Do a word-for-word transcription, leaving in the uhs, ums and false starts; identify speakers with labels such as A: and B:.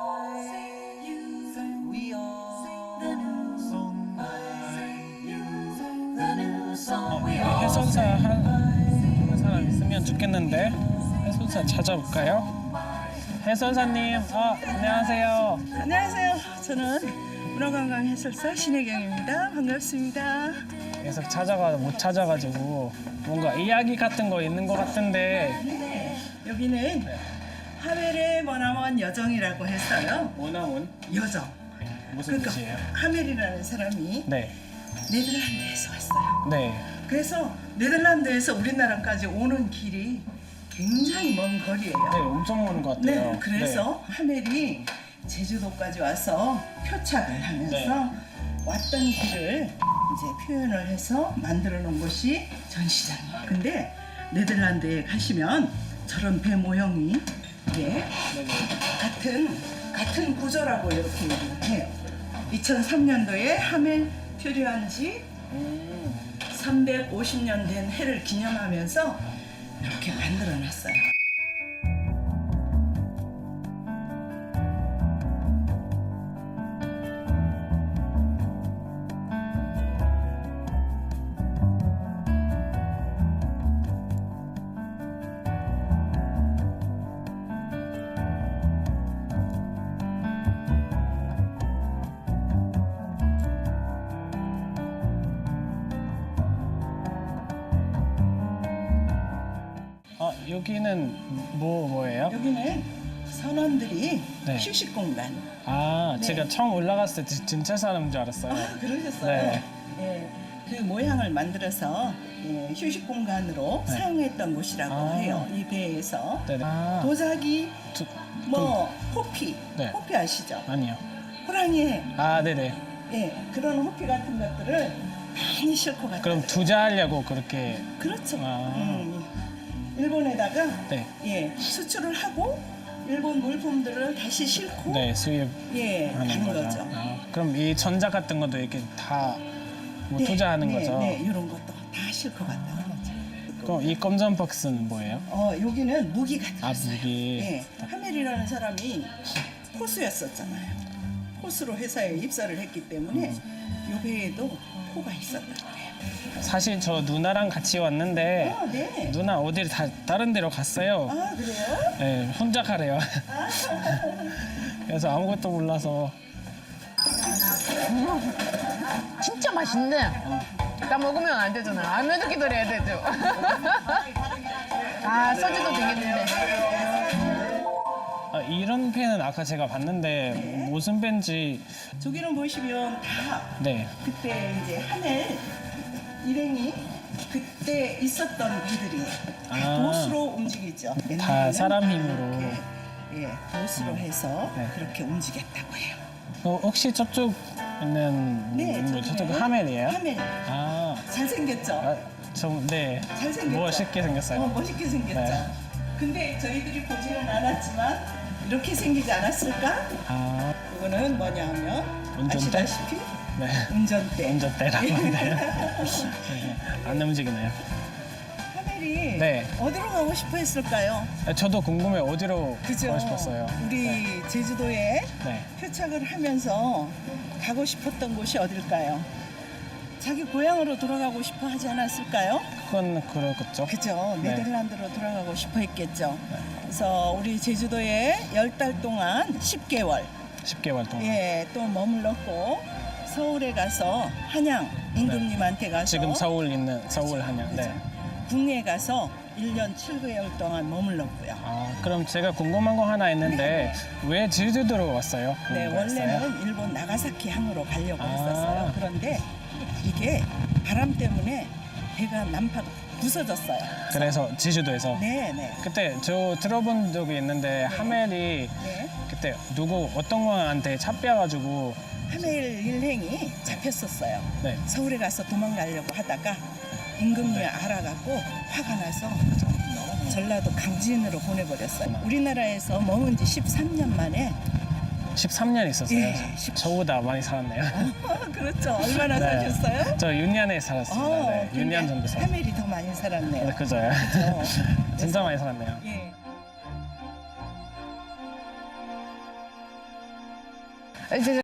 A: 어, 해선사 하는 사람 있으면 좋겠는데 해선사 찾아볼까요? 해선사님, 어, 안녕하세요.
B: 안녕하세요. 저는 문화관광 해설사 신혜경입니다. 반갑습니다.
A: 계속 찾아가 못 찾아가지고 뭔가 이야기 같은 거 있는 것 같은데.
B: 네, 여기는 하멜의 머나먼 여정이라고 했어요.
A: 원아원
B: 여정.
A: 무슨
B: 그러니까
A: 뜻이에요?
B: 하멜이라는 사람이
A: 네,
B: 네덜란드에서 왔어요.
A: 네.
B: 그래서 네덜란드에서 우리나라까지 오는 길이 굉장히 먼 거리예요.
A: 네, 엄청 먼 것 같아요.
B: 네, 그래서 하멜이 제주도까지 와서 표착을 하면서
A: 네.
B: 왔던 길을 이제 표현을 해서 만들어 놓은 곳이 전시장이에요. 근데 네덜란드에 가시면 저런 배 모형이 이게
A: 네, 네.
B: 같은 같은 구조라고 이렇게 얘기를 해요. 이천삼 년도에 하멜 표류한 지
A: 음,
B: 삼백오십 년 된 해를 기념하면서 이렇게 만들어 놨어요.
A: 어, 여기는 뭐 뭐예요?
B: 여기는 선원들이
A: 네.
B: 휴식 공간.
A: 아,
B: 네.
A: 제가 처음 올라갔을 때 지- 진짜 사람인 줄 알았어요.
B: 아, 그러셨어요?
A: 네.
B: 예, 그 모양을 만들어서 예, 휴식 공간으로
A: 네.
B: 사용했던 곳이라고
A: 아.
B: 해요. 이 배에서.
A: 네, 네. 아,
B: 도자기,
A: 두-
B: 뭐 호피,
A: 네.
B: 호피 아시죠?
A: 아니요.
B: 호랑이,
A: 아, 네네.
B: 예, 그런 호피 같은 것들을 많이 싣고 갔다.
A: 그럼 투자하려고 그렇게.
B: 그렇죠.
A: 아.
B: 음, 일본에다가
A: 네.
B: 예, 수출을 하고 일본 물품들을 다시 싣고
A: 네, 수입
B: 예,
A: 하는
B: 가는
A: 거죠.
B: 거죠.
A: 아, 그럼 이 전자 같은 것도 이렇게 다 뭐 투자하는
B: 네,
A: 거죠?
B: 네, 이런 것도 다 싣고 갔다.
A: 그럼 이 검정 박스는 뭐예요?
B: 어, 여기는 무기가
A: 아,
B: 들었어요.
A: 무기.
B: 예, 하멜이라는 사람이 포수였었잖아요. 포수로 회사에 입사를 했기 때문에 요 배에도 포가 있었다 그래요.
A: 사실 저 누나랑 같이 왔는데
B: 아, 네.
A: 누나 어딜 다 다른 데로 갔어요.
B: 아, 그래요?
A: 네, 혼자 가래요.
B: 아,
A: 그래서 아무것도 몰라서.
C: 진짜 맛있네. 나 먹으면 안 되잖아. 알면서 기다려야 되죠. 아, 소주도 되겠는데.
A: 아, 이런 펜은 아까 제가 봤는데 무슨 펜인지.
B: 저기는 보시면 다
A: 네.
B: 그때 이제 하멜 일행이 그때 있었던 배들이에요. 다
A: 아.
B: 도수로 움직이죠.
A: 다
B: 옛날에는
A: 사람
B: 다
A: 힘으로.
B: 이렇게, 예, 도수로 해서
A: 네.
B: 그렇게 움직였다고 해요.
A: 어, 혹시 저쪽 있는
B: 네,
A: 뭐 저쪽
B: 저쪽에
A: 하멜이에요?
B: 하멜.
A: 아,
B: 잘생겼죠?
A: 아, 좀 네.
B: 잘생겼죠?
A: 멋있게 생겼어요.
B: 어, 멋있게 생겼죠?
A: 네.
B: 근데 저희들이 보지는 않았지만 이렇게 생기지 않았을까?
A: 아,
B: 이거는 뭐냐 하면
A: 운전대?
B: 아시다시피
A: 네.
B: 운전대.
A: 운전대라고 하는데요. 네, 안 움직이네요.
B: 하멜이
A: 네.
B: 어디로 가고 싶어 했을까요?
A: 아, 저도 궁금해 어디로
B: 그죠?
A: 가고 싶었어요.
B: 우리
A: 네.
B: 제주도에
A: 네.
B: 표착을 하면서 가고 싶었던 곳이 어딜까요? 자기 고향으로 돌아가고 싶어 하지 않았을까요?
A: 그건 그렇겠죠.
B: 그죠.
A: 네.
B: 네덜란드로 돌아가고 싶어 했겠죠. 그래서 우리 제주도에 열 달 동안 십 개월
A: 십 개월 동안.
B: 예, 또 머물렀고 서울에 가서 한양 임금님한테 가서
A: 지금 서울 있는 서울 한양. 네.
B: 궁에 가서 일 년 칠 개월 동안 머물렀고요.
A: 아, 그럼 제가 궁금한 거 하나 있는데 왜 제주도로 왔어요?
B: 네,
A: 궁금했어요.
B: 원래는 일본 나가사키 항으로 가려고
A: 아.
B: 했었어요. 그런데 이게 바람 때문에 배가 난파가 부서졌어요.
A: 그래서 제주도에서.
B: 네, 네.
A: 그때 저 들어본 적이 있는데 하멜이
B: 네.
A: 그때 누구 어떤 분한테 잡혀가지고.
B: 하멜 일행이 잡혔었어요.
A: 네.
B: 서울에 가서 도망가려고 하다가 임금님이 알아갖고 화가 나서 전라도 강진으로 보내버렸어요. 우리나라에서 머문 지 십삼 년 만에
A: 십삼 년 있었어요.
B: 예, 십-
A: 저보다 많이 살았네요.
B: 그렇죠. 얼마나
A: 네.
B: 사셨어요?
A: 저 윤년에 살았습니다.
B: 어,
A: 네,
B: 근데
A: 육 년 정도 살았어요.
B: 하멜이 더 많이 살았네요.
A: 네, 그죠.
B: 그죠?
A: 진짜 많이 살았네요.
B: 예.
C: 이제